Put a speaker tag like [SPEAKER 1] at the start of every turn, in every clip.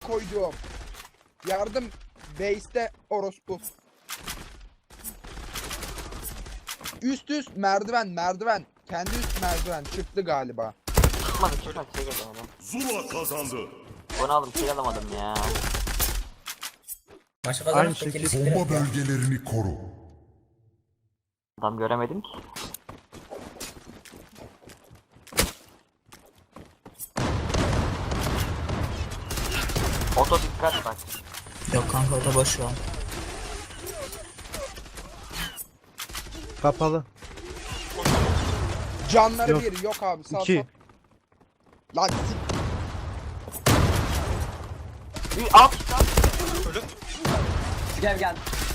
[SPEAKER 1] koyduğum. Yardım. Base'te orospu. Üst merdiven. Kendi üst merdiven çıktı galiba.
[SPEAKER 2] Çıkmadı şey geldi adam.
[SPEAKER 3] Zula kazandı.
[SPEAKER 2] Bunu aldım kill alamadım ya.
[SPEAKER 4] Maçı
[SPEAKER 5] Aynı
[SPEAKER 4] kazanıp
[SPEAKER 5] şekilde.
[SPEAKER 4] tekeli siktir
[SPEAKER 3] Bomba
[SPEAKER 4] et ya.
[SPEAKER 3] bölgelerini koru.
[SPEAKER 2] Adam göremedim ki. Oto dikkat bak.
[SPEAKER 4] Yok kanka o da boş şu an.
[SPEAKER 5] Kapalı.
[SPEAKER 1] Canları
[SPEAKER 5] Yok.
[SPEAKER 1] bir yok abi. Sağ
[SPEAKER 5] 2.
[SPEAKER 1] Lan
[SPEAKER 2] Bir alt.
[SPEAKER 6] Ölüm.
[SPEAKER 7] Gel.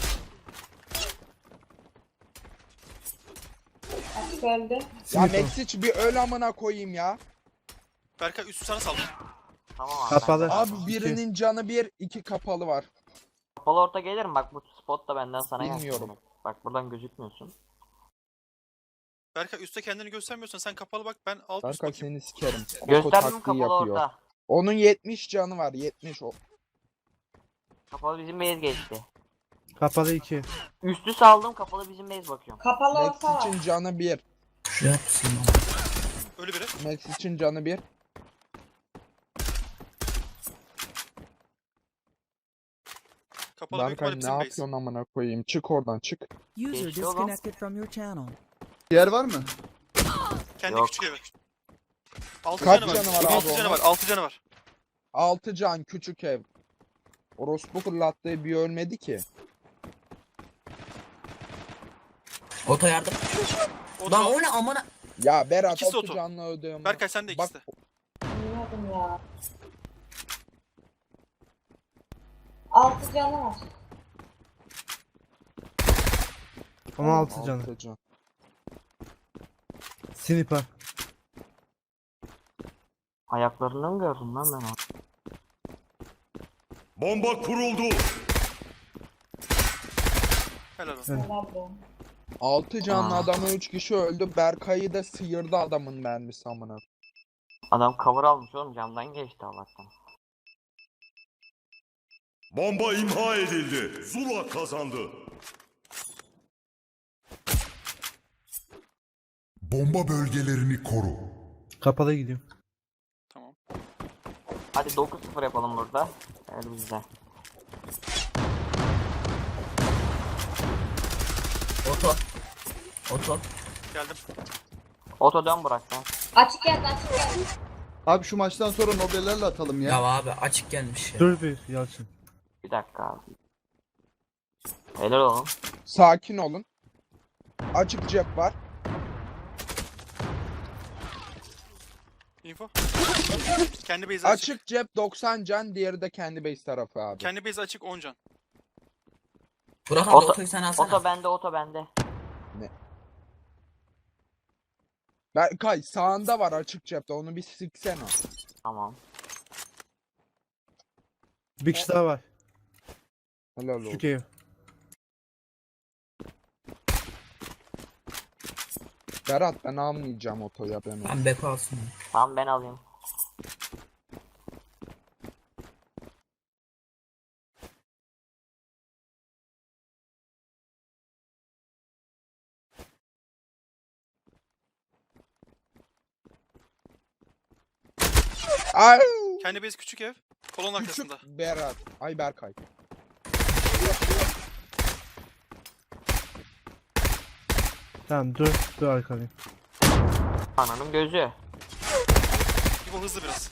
[SPEAKER 8] Öldü.
[SPEAKER 1] ya Mexic bir öl amına koyayım ya.
[SPEAKER 6] Berkay üstü sana saldım.
[SPEAKER 2] Tamam abi.
[SPEAKER 5] Kapalı.
[SPEAKER 1] Abi
[SPEAKER 5] İki.
[SPEAKER 1] birinin canı bir, 2 kapalı var.
[SPEAKER 2] Kapalı orta gelir mi? Bak bu spot da benden sana gelsin.
[SPEAKER 1] Bilmiyorum.
[SPEAKER 2] Bak buradan gözükmüyorsun.
[SPEAKER 6] Berkay üstte kendini göstermiyorsan sen kapalı bak, ben alt üst
[SPEAKER 1] Berkay
[SPEAKER 6] bakayım.
[SPEAKER 1] seni sikerim. Oko
[SPEAKER 2] Gösterdim
[SPEAKER 1] taktiği
[SPEAKER 2] kapalı
[SPEAKER 1] yapıyor.
[SPEAKER 2] orta.
[SPEAKER 1] Onun 70 canı var. 70 o.
[SPEAKER 2] Kapalı bizim base geçti.
[SPEAKER 5] Kapalı 2.
[SPEAKER 2] Üstü saldım kapalı bizim base bakıyorum.
[SPEAKER 8] Kapalı olsa var.
[SPEAKER 1] Mexic'in canı 1.
[SPEAKER 4] Şu yapsın.
[SPEAKER 6] Ölü biri.
[SPEAKER 1] Mexic'in canı 1.
[SPEAKER 6] Kapalı büyük
[SPEAKER 1] Berkay
[SPEAKER 6] ihtimalle
[SPEAKER 1] ne
[SPEAKER 6] bizim base.
[SPEAKER 1] yapıyorsun amına koyayım? Çık oradan çık.
[SPEAKER 9] User
[SPEAKER 2] Geçti oğlum.
[SPEAKER 9] disconnected from your channel.
[SPEAKER 10] Yer var mı?
[SPEAKER 6] Kendi
[SPEAKER 2] Yok.
[SPEAKER 6] küçük evi. 6
[SPEAKER 1] Kaç
[SPEAKER 6] canı var.
[SPEAKER 1] canı var abi
[SPEAKER 6] 6 canı
[SPEAKER 1] onun?
[SPEAKER 6] var. 6 canı var.
[SPEAKER 1] 6 can küçük ev. Orospu fırlattığı bir ölmedi ki.
[SPEAKER 4] Oto yardım.
[SPEAKER 6] O
[SPEAKER 4] Lan
[SPEAKER 6] da
[SPEAKER 4] o ne amına.
[SPEAKER 1] Ya Berat
[SPEAKER 6] İkisi
[SPEAKER 1] 6
[SPEAKER 6] oto.
[SPEAKER 1] canlı öldüğüm.
[SPEAKER 6] Berkay sen de
[SPEAKER 1] Bak
[SPEAKER 6] ikisi de.
[SPEAKER 8] Bilmiyordum ya. 6 canı var.
[SPEAKER 5] 16 canı.
[SPEAKER 1] 6 can.
[SPEAKER 5] Sniper.
[SPEAKER 2] Ayaklarından mı gördüm lan ben onu?
[SPEAKER 3] Bomba kuruldu.
[SPEAKER 6] Helal olsun.
[SPEAKER 5] Evet.
[SPEAKER 8] Helal be.
[SPEAKER 1] 6 canlı
[SPEAKER 2] Aa.
[SPEAKER 1] adamı 3 kişi öldü. Berkay'ı da sıyırdı adamın mermisi amına.
[SPEAKER 2] Adam cover almış oğlum camdan geçti Allah'tan.
[SPEAKER 3] Bomba imha edildi. Zula kazandı. Bomba bölgelerini koru.
[SPEAKER 5] Kapalı gidiyor.
[SPEAKER 6] Tamam.
[SPEAKER 2] Hadi 9-0 yapalım burada. Evet bizde.
[SPEAKER 4] Oto. Oto.
[SPEAKER 6] Geldim.
[SPEAKER 2] Oto dön Burak sen.
[SPEAKER 8] Açık geldi.
[SPEAKER 10] Abi şu maçtan sonra Nobel'lerle atalım ya.
[SPEAKER 4] Ya abi açık gelmiş ya.
[SPEAKER 5] Dur bir Yalçın.
[SPEAKER 2] Bir dakika abi. Helal oğlum.
[SPEAKER 1] Sakin olun. Açık cep var.
[SPEAKER 6] Info. Kendi base açık.
[SPEAKER 1] Açık cep 90 can, diğeri de kendi base tarafı abi.
[SPEAKER 6] Kendi base açık 10 can.
[SPEAKER 4] Burak abi
[SPEAKER 2] Oto-
[SPEAKER 4] otoyu sen alsana.
[SPEAKER 2] Oto bende.
[SPEAKER 1] Berkay sağında var açık cepte, onu bir siksene.
[SPEAKER 2] Tamam.
[SPEAKER 5] Bir kişi daha var.
[SPEAKER 1] Helal olsun.
[SPEAKER 5] Küçük ev.
[SPEAKER 1] Berat ben almayacağım otoya ben onu.
[SPEAKER 4] Ben Beko alsın.
[SPEAKER 2] Tamam ben alayım.
[SPEAKER 1] Ay
[SPEAKER 6] Kendi base küçük ev. Kolon arkasında.
[SPEAKER 1] küçük Berat. Ay Berkay.
[SPEAKER 5] Tamam dur arkalayım.
[SPEAKER 2] Ananın gözü.
[SPEAKER 6] İbo hızlı biraz.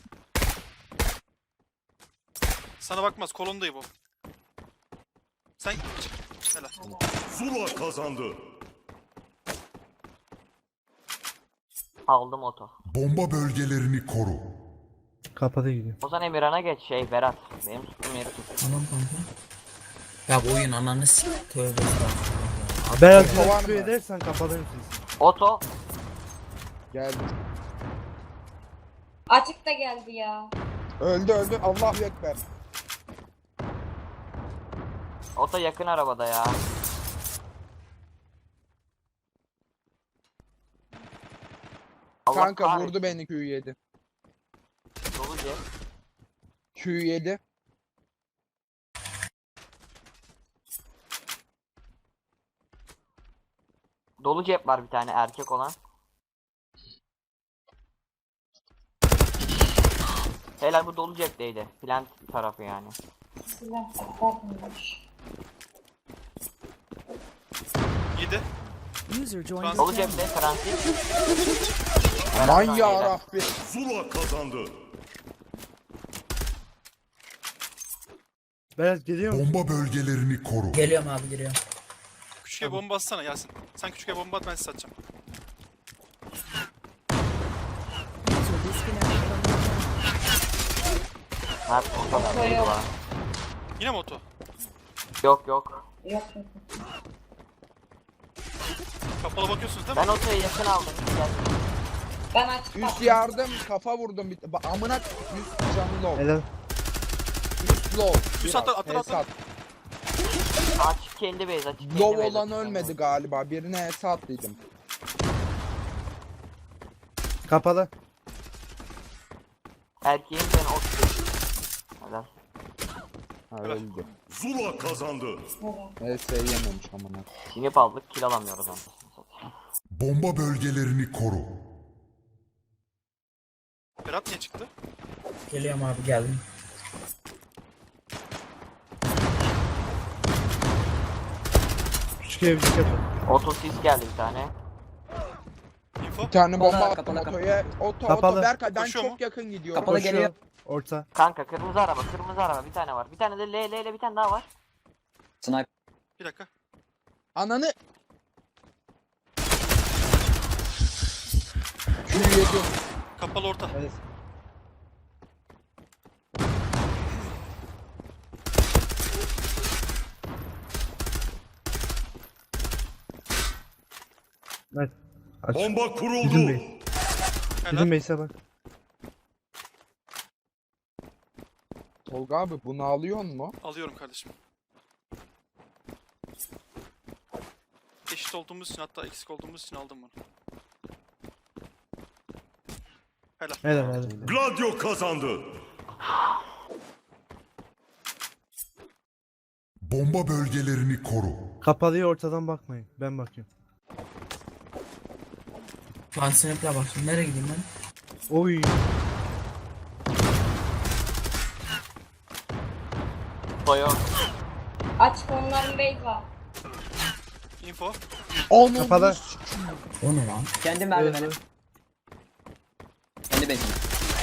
[SPEAKER 6] Sana bakmaz. Kolondayım bu. Sen helal.
[SPEAKER 3] Zula kazandı.
[SPEAKER 2] Aldım oto.
[SPEAKER 3] Bomba bölgelerini koru.
[SPEAKER 5] Kapalı gidiyor.
[SPEAKER 2] O zaman Emirhan'a geç Berat. Benim tuttuğum yeri tut.
[SPEAKER 4] Tamam kanka. Ya bu oyun ananı sik. Tövbe estağfurullah.
[SPEAKER 5] Berat
[SPEAKER 1] Kovan
[SPEAKER 5] biraz küfür
[SPEAKER 1] mı?
[SPEAKER 5] edersen kapalıyım sesi.
[SPEAKER 2] Oto.
[SPEAKER 1] Geldi.
[SPEAKER 8] Açık da geldi ya.
[SPEAKER 1] Öldü. Allahu Ekber.
[SPEAKER 2] Oto yakın arabada ya. Allah
[SPEAKER 1] Kanka
[SPEAKER 2] kahretsin.
[SPEAKER 1] vurdu beni Q7.
[SPEAKER 2] Dolu diye.
[SPEAKER 1] Q7.
[SPEAKER 2] Dolu cep var bir tane erkek olan. Helal, bu dolu cepteydi. Plant tarafı yani.
[SPEAKER 8] Silah bakmıyormuş.
[SPEAKER 6] 7.
[SPEAKER 2] Dolu cepte Francis.
[SPEAKER 1] Aman yarabbi.
[SPEAKER 3] Zula kazandı.
[SPEAKER 5] Berat geliyor musun?
[SPEAKER 3] Bomba bölgelerini koru.
[SPEAKER 4] Geliyorum abi geliyorum.
[SPEAKER 6] Küçük ev bomba atsana Yasin. Sen küçük ev bomba at, ben size atacağım.
[SPEAKER 2] Mert o kadar
[SPEAKER 8] Oto
[SPEAKER 2] değil
[SPEAKER 8] yok.
[SPEAKER 2] var.
[SPEAKER 6] Yine mi oto?
[SPEAKER 2] Yok yok.
[SPEAKER 8] Yok yok.
[SPEAKER 6] Kapalı bakıyorsunuz değil mi?
[SPEAKER 2] Ben otoya yakın aldım. Gel.
[SPEAKER 8] Ben açık
[SPEAKER 1] Üst
[SPEAKER 8] baktım.
[SPEAKER 1] yardım kafa vurdum. Amına üst canı low.
[SPEAKER 5] Helal.
[SPEAKER 1] Üst low.
[SPEAKER 6] Üst
[SPEAKER 1] Biraz.
[SPEAKER 6] atla,
[SPEAKER 1] Hesat.
[SPEAKER 2] Açık kendi base, açık kendi
[SPEAKER 1] Low
[SPEAKER 2] base,
[SPEAKER 1] olan
[SPEAKER 2] açık
[SPEAKER 1] ölmedi
[SPEAKER 2] kendi
[SPEAKER 1] galiba. Birine hesat dedim.
[SPEAKER 5] Kapalı.
[SPEAKER 2] base. Erkeğin ben oto. Helal.
[SPEAKER 1] Ha
[SPEAKER 6] Evet.
[SPEAKER 1] öldü.
[SPEAKER 3] Zula kazandı.
[SPEAKER 1] HS yememiş amına.
[SPEAKER 2] Sinip aldık, kill alamıyoruz onu.
[SPEAKER 3] Bomba bölgelerini koru.
[SPEAKER 6] Berat niye çıktı?
[SPEAKER 4] Geliyorum abi geldim.
[SPEAKER 5] Küçük ev kapı.
[SPEAKER 2] Oto sis geldi bir tane.
[SPEAKER 6] Info.
[SPEAKER 1] Bir tane bomba
[SPEAKER 7] Kapalı,
[SPEAKER 1] attım
[SPEAKER 7] kapalı,
[SPEAKER 1] otoya. Oto
[SPEAKER 5] Kapalı.
[SPEAKER 1] oto Berkay ben
[SPEAKER 6] Koşuyor
[SPEAKER 1] çok
[SPEAKER 6] mu?
[SPEAKER 1] yakın gidiyorum.
[SPEAKER 7] Kapalı
[SPEAKER 5] Koşuyor.
[SPEAKER 7] geliyor.
[SPEAKER 5] Orta.
[SPEAKER 2] Kanka kırmızı araba, kırmızı araba bir tane var. Bir tane de L bir tane daha var.
[SPEAKER 7] Sniper.
[SPEAKER 6] Bir dakika.
[SPEAKER 1] Ananı. Q7.
[SPEAKER 6] Kapalı orta.
[SPEAKER 5] Evet. Evet. Aç.
[SPEAKER 3] Bomba
[SPEAKER 5] Bizim
[SPEAKER 3] kuruldu.
[SPEAKER 5] bey.
[SPEAKER 6] Helal.
[SPEAKER 5] Bizim base'e bak.
[SPEAKER 1] Tolga abi bunu alıyor mu?
[SPEAKER 6] Alıyorum kardeşim. Eşit olduğumuz için, hatta eksik olduğumuz için aldım bunu. Helal.
[SPEAKER 5] Helal helal.
[SPEAKER 3] Gladio kazandı. Bomba bölgelerini koru.
[SPEAKER 5] Kapalıya ortadan bakmayın. Ben bakıyorum.
[SPEAKER 4] Ben snap'le baktım. Nereye gideyim ben?
[SPEAKER 5] Oy.
[SPEAKER 2] Toyo.
[SPEAKER 8] Açık onların base var.
[SPEAKER 6] Info.
[SPEAKER 1] Onun
[SPEAKER 5] Kapalı.
[SPEAKER 4] O ne lan?
[SPEAKER 7] Kendi merdiveni.
[SPEAKER 5] Öldü.
[SPEAKER 7] Kendi base'ine.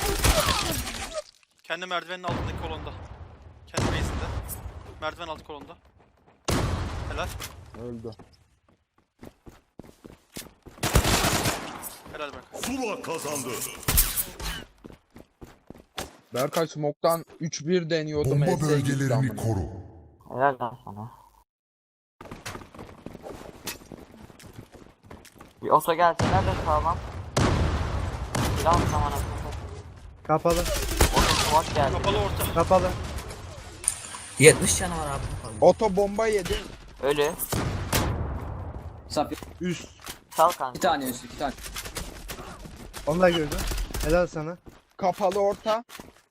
[SPEAKER 6] Kendi merdivenin altındaki kolonda. Kendi base'inde. Merdiven altı kolonda. Helal.
[SPEAKER 1] öldü.
[SPEAKER 6] Helal bak.
[SPEAKER 3] Zula kazandı.
[SPEAKER 1] Berkay smoke'tan 3-1 deniyordum.
[SPEAKER 3] Bomba
[SPEAKER 1] HS gitti
[SPEAKER 3] bölgelerini
[SPEAKER 1] amına.
[SPEAKER 3] koru.
[SPEAKER 2] Helal lan sana. Bir oto gelseler de sağlam. Silah zamanı.
[SPEAKER 5] Kapalı.
[SPEAKER 2] Oto smoke geldi.
[SPEAKER 6] Kapalı orta.
[SPEAKER 5] Kapalı.
[SPEAKER 4] 70 canı var abi. Bakalım.
[SPEAKER 1] Oto bomba yedi.
[SPEAKER 2] Ölü.
[SPEAKER 7] Sap.
[SPEAKER 5] Üst.
[SPEAKER 2] Sal kanka.
[SPEAKER 7] 2 tane üstü 2 tane.
[SPEAKER 5] Onu da gördüm. Helal sana.
[SPEAKER 1] Kapalı orta.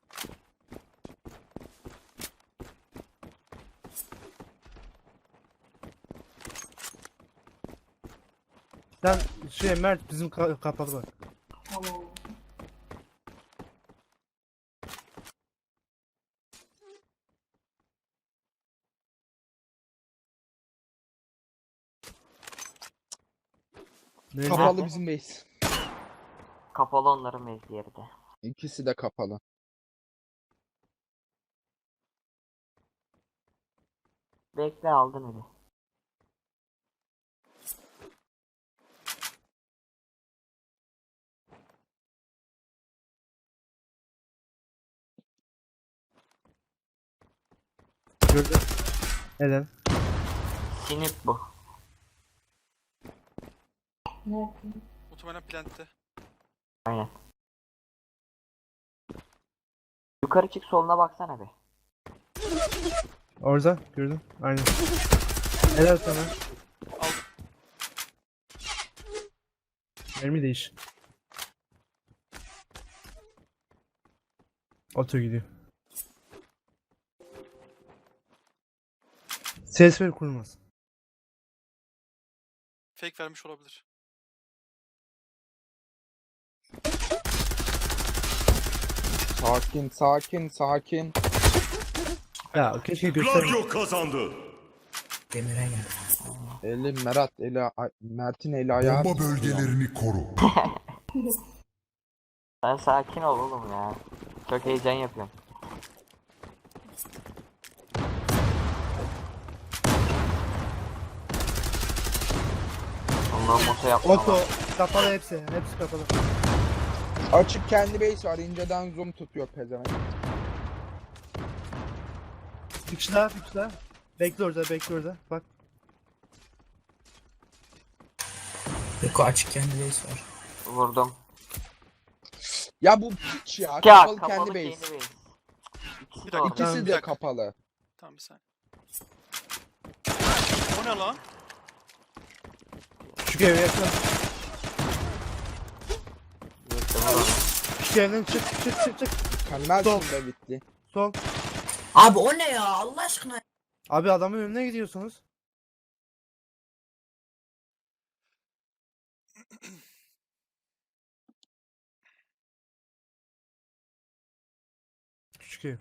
[SPEAKER 5] Sen Mert bizim kapalı bak.
[SPEAKER 8] Tamam.
[SPEAKER 5] Neyse.
[SPEAKER 1] Kapalı bizim base.
[SPEAKER 2] Kapalı onların mevzi yeri de.
[SPEAKER 1] İkisi de kapalı.
[SPEAKER 2] Bekle, aldın ölü.
[SPEAKER 5] Gördüm. Helal.
[SPEAKER 2] Sinip bu.
[SPEAKER 8] Nerede?
[SPEAKER 6] Muhtemelen plantte.
[SPEAKER 2] Aynen. Yukarı çık, soluna baksana bir.
[SPEAKER 5] Orada gördüm. Aynen. Helal sana.
[SPEAKER 6] Aldım.
[SPEAKER 5] Mermi değiş. Oto gidiyor. Ses ver kurmaz.
[SPEAKER 6] Fake vermiş olabilir.
[SPEAKER 1] Sakin sakin sakin.
[SPEAKER 5] Ya keşke göstereyim.
[SPEAKER 3] Gladio kazandı.
[SPEAKER 4] Demir'e gel.
[SPEAKER 1] Eli Mert'in eli ayağı.
[SPEAKER 3] Bomba bölgelerini koru.
[SPEAKER 2] Sen sakin ol oğlum ya. Çok heyecan yapıyorum. Ondan moto yapma.
[SPEAKER 5] Oto kapalı hepsi. Hepsi kapalı.
[SPEAKER 1] Açık kendi base var. İnceden zoom tutuyor pezevenk.
[SPEAKER 5] Bir kişi daha, bir kişi daha. Bekle orada, bekle orada. Bak.
[SPEAKER 4] Beko açık kendi base var.
[SPEAKER 2] Vurdum.
[SPEAKER 1] Ya bu piç ya.
[SPEAKER 2] Ya
[SPEAKER 1] Kapalı
[SPEAKER 2] kapalı
[SPEAKER 1] kendi
[SPEAKER 2] kendi
[SPEAKER 1] base.
[SPEAKER 2] base. İkisi
[SPEAKER 6] Bir
[SPEAKER 2] de
[SPEAKER 6] dakika,
[SPEAKER 2] orada.
[SPEAKER 1] İkisi
[SPEAKER 6] Bir
[SPEAKER 1] de
[SPEAKER 6] dakika.
[SPEAKER 1] kapalı.
[SPEAKER 6] Tamam bir saniye. O ne lan?
[SPEAKER 5] Küçük eve yakın.
[SPEAKER 2] Yoksa vur onu.
[SPEAKER 5] Küçük evden çık, çık, çık, çık.
[SPEAKER 1] Mükemmelsin be bitti.
[SPEAKER 5] Sol.
[SPEAKER 4] Abi o ne ya Allah aşkına.
[SPEAKER 5] Abi adamın önüne gidiyorsunuz. Küçük ev.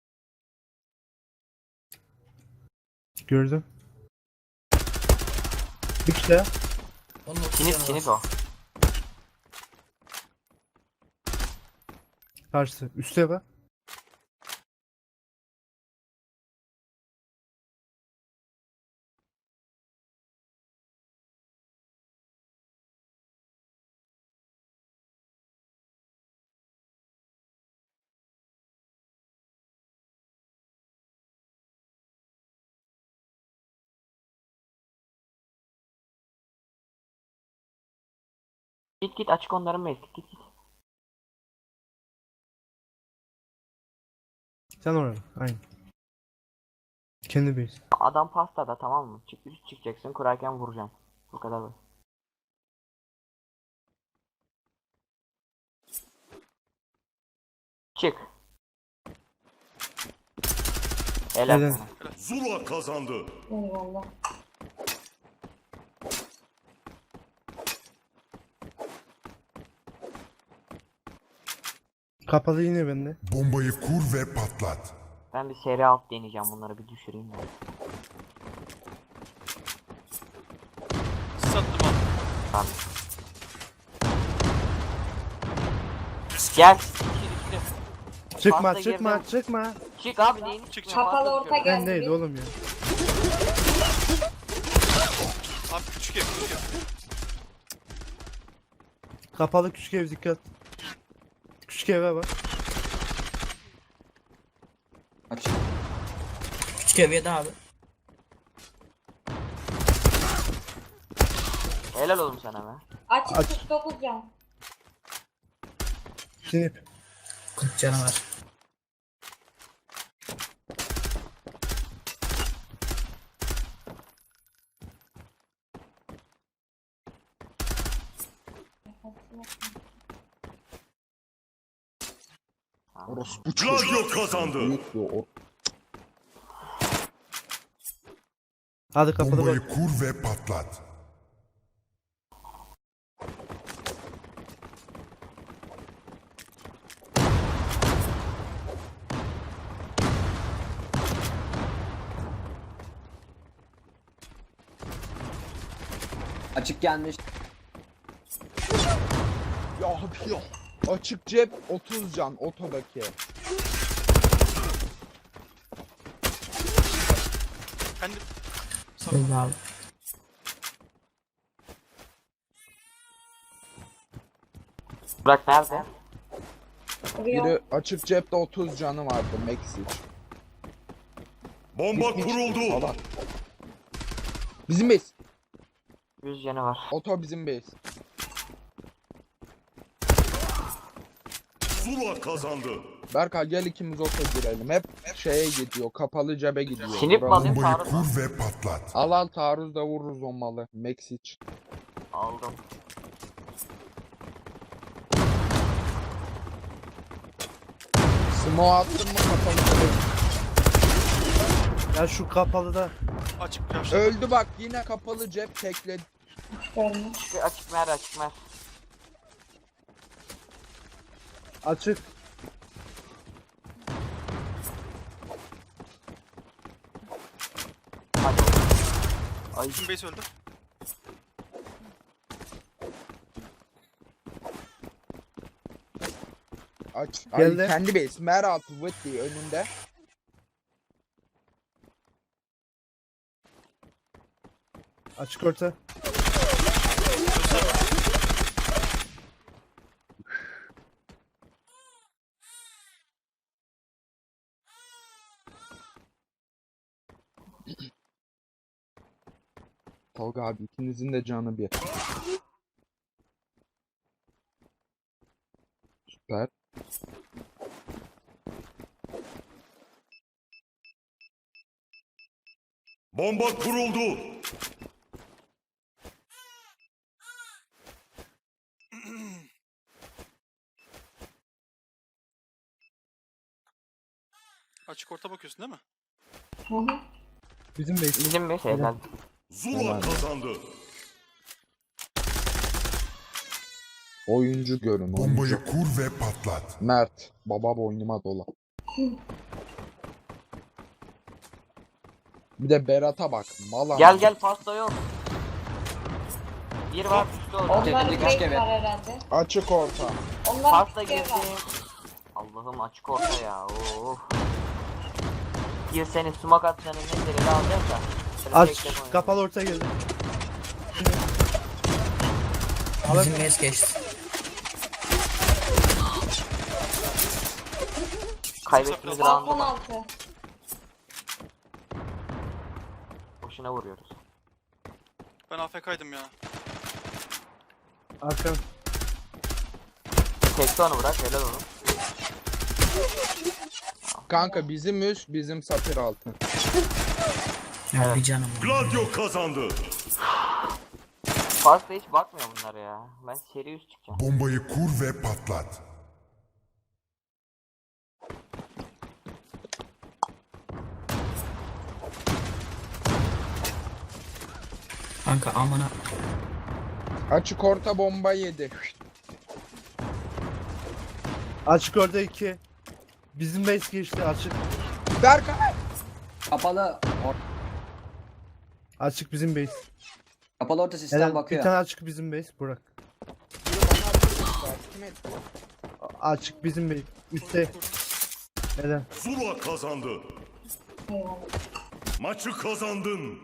[SPEAKER 5] Gördüm. Bir kişi daha.
[SPEAKER 4] Onun
[SPEAKER 2] Kinik kinik o.
[SPEAKER 5] Karşısı. Üste bak.
[SPEAKER 2] Git git açık onların base. Git git.
[SPEAKER 5] Sen oraya. Aynen. Kendi base.
[SPEAKER 2] Adam pastada tamam mı? Üst çıkacaksın kurarken vuracaksın. Bu kadar böyle. Çık. Helal
[SPEAKER 5] Helal.
[SPEAKER 2] sana.
[SPEAKER 3] Zula kazandı.
[SPEAKER 8] Eyvallah.
[SPEAKER 5] Kapalı yine bende.
[SPEAKER 3] Bombayı kur ve patlat.
[SPEAKER 2] Ben bir seri alt deneyeceğim bunları bir düşüreyim ya.
[SPEAKER 6] Sattım abi.
[SPEAKER 2] Tamam. Gel. Düşür.
[SPEAKER 5] Çıkma,
[SPEAKER 2] Pasta
[SPEAKER 5] çıkma,
[SPEAKER 2] girdim.
[SPEAKER 5] çıkma.
[SPEAKER 2] Çık abi neyini
[SPEAKER 6] Çık,
[SPEAKER 2] çıkmıyor?
[SPEAKER 6] çık.
[SPEAKER 2] Pasta
[SPEAKER 8] Kapalı orta
[SPEAKER 2] düşüyorum.
[SPEAKER 8] gel.
[SPEAKER 5] Ben değil oğlum ya.
[SPEAKER 6] Abi küçük ev küçük ev.
[SPEAKER 5] Kapalı küçük ev dikkat. Küçük eve bak.
[SPEAKER 7] Açık.
[SPEAKER 4] küçük ev yedi abi.
[SPEAKER 2] Helal oğlum sana be.
[SPEAKER 8] Açık
[SPEAKER 5] Aç.
[SPEAKER 8] 49 can.
[SPEAKER 5] Sinip.
[SPEAKER 4] 40 canı var.
[SPEAKER 1] Orospu
[SPEAKER 3] Gladio kazandı.
[SPEAKER 1] büyük bir
[SPEAKER 5] Hadi kapalı
[SPEAKER 3] Bombayı
[SPEAKER 5] bak.
[SPEAKER 3] kur ve patlat.
[SPEAKER 7] Açık gelmiş.
[SPEAKER 1] Ya abi ya. Açık cep 30 can otodaki.
[SPEAKER 6] Kendi
[SPEAKER 4] Öyle abi.
[SPEAKER 2] Burak nerede?
[SPEAKER 8] Vuruyor.
[SPEAKER 1] Biri açık cepte 30 canı vardı Mexic.
[SPEAKER 3] Bomba kuruldu.
[SPEAKER 1] Salak. Bizim base.
[SPEAKER 2] 100 canı var.
[SPEAKER 1] Oto bizim base.
[SPEAKER 3] Zula kazandı.
[SPEAKER 1] Berkay gel ikimiz oto girelim. Hep şeye gidiyor. Kapalı cebe gidiyor.
[SPEAKER 2] Sinip mi
[SPEAKER 1] Bravo.
[SPEAKER 2] alayım
[SPEAKER 3] Bombayı
[SPEAKER 2] taarruz mu?
[SPEAKER 3] kur ve patlat.
[SPEAKER 1] Al taarruzda vururuz o malı. Mexic.
[SPEAKER 2] Aldım.
[SPEAKER 1] Smoke attın mı kapalı cebe?
[SPEAKER 5] Ya şu kapalıda.
[SPEAKER 6] açık yaşta.
[SPEAKER 1] Öldü bak yine kapalı cep tekledi.
[SPEAKER 8] Görme.
[SPEAKER 2] Açık mer açık mer.
[SPEAKER 5] Açık.
[SPEAKER 2] Hadi. Ay
[SPEAKER 6] Bizim base öldü.
[SPEAKER 1] Aç.
[SPEAKER 5] Geldi.
[SPEAKER 1] Ay, kendi base. Mer altı Whitley önünde.
[SPEAKER 5] Açık orta.
[SPEAKER 1] Tolga abi ikinizin de canı bir. Süper.
[SPEAKER 3] Bomba kuruldu.
[SPEAKER 6] Açık orta bakıyorsun değil mi?
[SPEAKER 8] Hı hı.
[SPEAKER 5] Bizim base.
[SPEAKER 2] bizim bir helal.
[SPEAKER 3] Zula kazandı.
[SPEAKER 1] Oyuncu görün. Oyuncu.
[SPEAKER 9] Bombayı kur ve patlat.
[SPEAKER 1] Mert. Baba boynuma dola. Bir de Berat'a bak. Mala.
[SPEAKER 2] Gel gel pasta yok. Bir var üstü orada.
[SPEAKER 8] Onların
[SPEAKER 7] Tepedeki
[SPEAKER 8] break
[SPEAKER 7] küçük
[SPEAKER 8] var herhalde.
[SPEAKER 1] Açık orta.
[SPEAKER 8] Onların
[SPEAKER 2] Pasta
[SPEAKER 8] break
[SPEAKER 2] girdi.
[SPEAKER 8] var.
[SPEAKER 2] Allah'ım açık orta ya. Oh. Bir seni sumak atacağını ne dereli alacağız da. Şöyle
[SPEAKER 5] Aç.
[SPEAKER 2] tek tek oynayalım.
[SPEAKER 5] Kapalı orta geldi.
[SPEAKER 4] Bizim mes geçti.
[SPEAKER 2] Kaybettiğimiz
[SPEAKER 8] Balkon
[SPEAKER 2] round'u
[SPEAKER 8] altı.
[SPEAKER 2] boşuna vuruyoruz.
[SPEAKER 6] Ben AFK'ydım ya.
[SPEAKER 5] Arkan.
[SPEAKER 2] Tekte onu bırak helal onu.
[SPEAKER 1] Kanka bizim üst bizim safir altı.
[SPEAKER 4] Ya bir canım. var.
[SPEAKER 3] Gladio kazandı.
[SPEAKER 2] Pasta hiç bakmıyor bunlara ya. Ben seri üst çıkacağım.
[SPEAKER 9] Bombayı kur ve patlat.
[SPEAKER 4] Kanka amına.
[SPEAKER 1] Açık orta bomba yedi.
[SPEAKER 5] Açık orta 2. Bizim base geçti açık.
[SPEAKER 1] Berkay.
[SPEAKER 7] Kapalı.
[SPEAKER 5] Açık bizim base.
[SPEAKER 7] Kapalı orta sistem
[SPEAKER 5] Helal. Bir
[SPEAKER 7] bakıyor.
[SPEAKER 5] tane açık bizim base. Burak.
[SPEAKER 1] Kim etti?
[SPEAKER 5] Açık bizim base. Üstte. Helal.
[SPEAKER 3] Zula kazandı.
[SPEAKER 8] Eyvallah.
[SPEAKER 3] Maçı kazandın.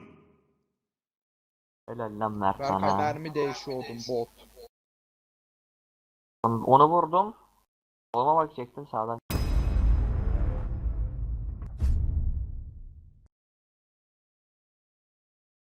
[SPEAKER 2] Helal lan Mert
[SPEAKER 1] Berkay
[SPEAKER 2] sana.
[SPEAKER 1] mermi değişiyordum bot.
[SPEAKER 2] Onu vurdum. Soluma bakacaktım sağdan.